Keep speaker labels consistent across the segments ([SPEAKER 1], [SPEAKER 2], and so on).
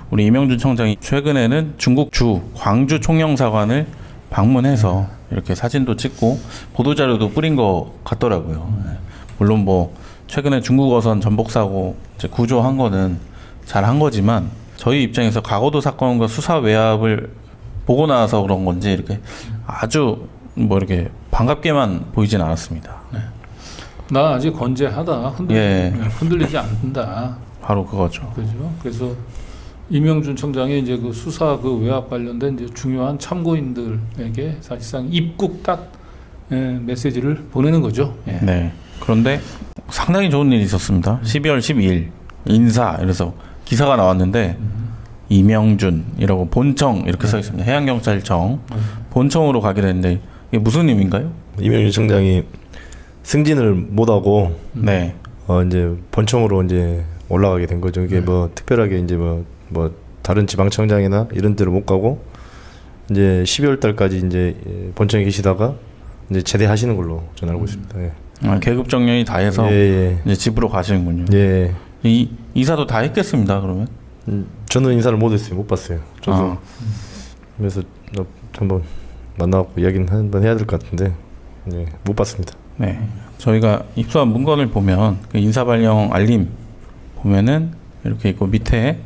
[SPEAKER 1] 우리 이명준 청장이 최근에는 중국 주 광주 총영사관을 방문해서 이렇게 사진도 찍고 보도자료도 뿌린 것 같더라고요. 물론 뭐 최근에 중국 어선 전복 사고 이제 구조한 거는 잘한 거지만 저희 입장에서 가거도 사건과 수사 외압을 보고 나서 그런 건지 이렇게 아주 뭐 이렇게 반갑게만 보이진 않았습니다.
[SPEAKER 2] 나 아직 건재하다. 흔들리지 않는다.
[SPEAKER 1] 바로 그거죠.
[SPEAKER 2] 그죠. 그래서 이명준 청장이 이제 그 수사 그 외압 관련된 이제 중요한 참고인들에게 사실상 입국 딱 메시지를 보내는 거죠.
[SPEAKER 1] 네. 그런데 상당히 좋은 일이 있었습니다. 12월 12일 인사 이래서 기사가 나왔는데 이명준이라고 본청 이렇게 써 있습니다. 해양경찰청 본청으로 가게 됐는데 이게 무슨 의미인가요?
[SPEAKER 3] 이명준 청장이 승진을 못하고
[SPEAKER 1] 네.
[SPEAKER 3] 이제 본청으로 이제 올라가게 된 거죠. 이게 뭐 특별하게 이제 뭐 다른 지방청장이나 이런 데로 못 가고 이제 12월 달까지 이제 본청에 계시다가 이제 제대하시는 걸로 저는 알고 있습니다. 예.
[SPEAKER 1] 계급 정년이 다 해서 이제 집으로 가시는군요.
[SPEAKER 3] 예.
[SPEAKER 1] 이 이사도 다 했겠습니다. 그러면?
[SPEAKER 3] 저는 인사를 못 했어요. 못 봤어요. 저도 그래서 한번 만나고 이야기는 한번 해야 될 것 같은데 못 봤습니다.
[SPEAKER 1] 네. 저희가 입수한 문건을 보면 그 인사 발령 알림 보면은 이렇게 있고 밑에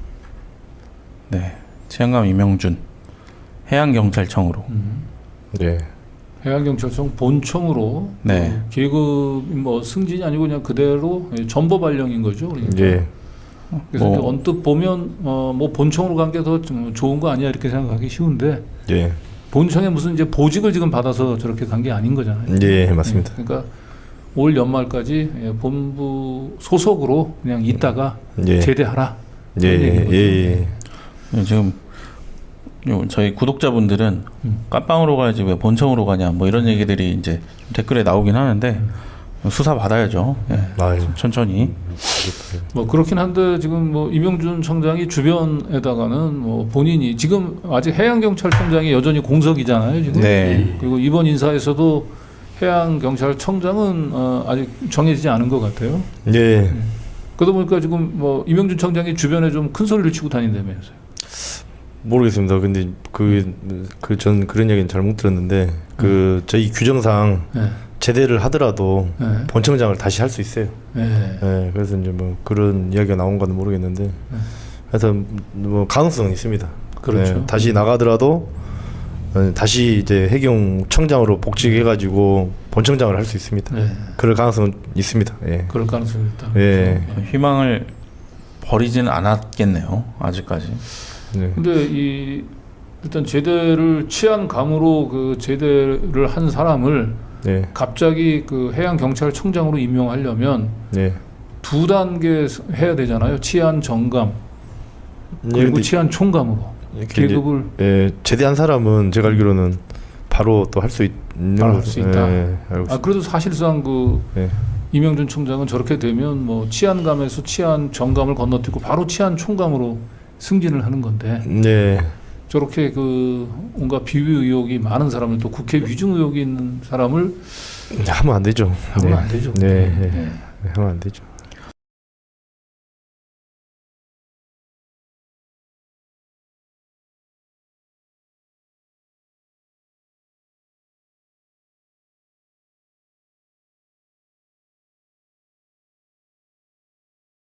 [SPEAKER 1] 치안감 이명준 해양경찰청으로
[SPEAKER 3] 네.
[SPEAKER 2] 해양경찰청 본청으로
[SPEAKER 1] 네.
[SPEAKER 2] 계급 뭐 승진이 아니고 그냥 그대로 전보 발령인 거죠. 그러니까.
[SPEAKER 3] 예.
[SPEAKER 2] 그래서 언뜻 보면 뭐 본청으로 간 게 더 좋은 거 아니야 이렇게 생각하기 쉬운데
[SPEAKER 3] 예.
[SPEAKER 2] 본청에 무슨 이제 보직을 지금 받아서 저렇게 간 게 아닌 거잖아요.
[SPEAKER 3] 예, 맞습니다.
[SPEAKER 2] 그러니까 올 연말까지 본부 소속으로 그냥 있다가 제대하라.
[SPEAKER 3] 예.
[SPEAKER 1] 지금 저희 구독자분들은 깜빵으로 가야지 왜 본청으로 가냐 뭐 이런 얘기들이 이제 댓글에 나오긴 하는데 수사 받아야죠. 천천히.
[SPEAKER 2] 뭐 그렇긴 한데 지금 뭐 이명준 청장이 주변에다가는 뭐 본인이 지금 아직 해양경찰청장이 여전히 공석이잖아요. 지금.
[SPEAKER 1] 네.
[SPEAKER 2] 그리고 이번 인사에서도 해양경찰청장은 아직 정해지지 않은 것 같아요.
[SPEAKER 3] 네.
[SPEAKER 2] 그러다 보니까 지금 뭐 이명준 청장이 주변에 좀 큰 소리를 치고 다닌다면서요.
[SPEAKER 3] 모르겠습니다. 근데 전 그런 얘기는 잘 못 들었는데 저희 규정상 제대를 하더라도 본청장을 다시 할 수 있어요. 그래서 이제 뭐 그런 이야기가 나온 건 모르겠는데, 하여튼 뭐 가능성은 있습니다.
[SPEAKER 2] 그렇죠.
[SPEAKER 3] 다시 나가더라도 다시 이제 해경청장으로 복직해가지고 본청장을 할 수 있습니다. 그럴 가능성은 있습니다.
[SPEAKER 2] 그럴 가능성이 있다.
[SPEAKER 1] 희망을 버리지는 않았겠네요. 아직까지.
[SPEAKER 2] 근데 일단 제대를 치안감으로 그 제대를 한 사람을 갑자기 그 해양경찰청장으로 임명하려면 두 단계 해야 되잖아요. 치안 정감 그리고 치안 총감으로 계급을
[SPEAKER 3] 제대한 사람은 제가 알기로는 바로 또 할 수 있는
[SPEAKER 2] 할 수 있다. 그래도 사실상 이명준 청장은 저렇게 되면 뭐 치안감에서 치안 정감을 건너뛰고 바로 치안 총감으로 승진을 하는 건데 저렇게 그 온갖 비위 의혹이 많은 사람을 또 국회 위증 의혹이 있는 사람을
[SPEAKER 3] 하면 안 되죠.
[SPEAKER 2] 하면 안 되죠.
[SPEAKER 3] 하면 안 되죠.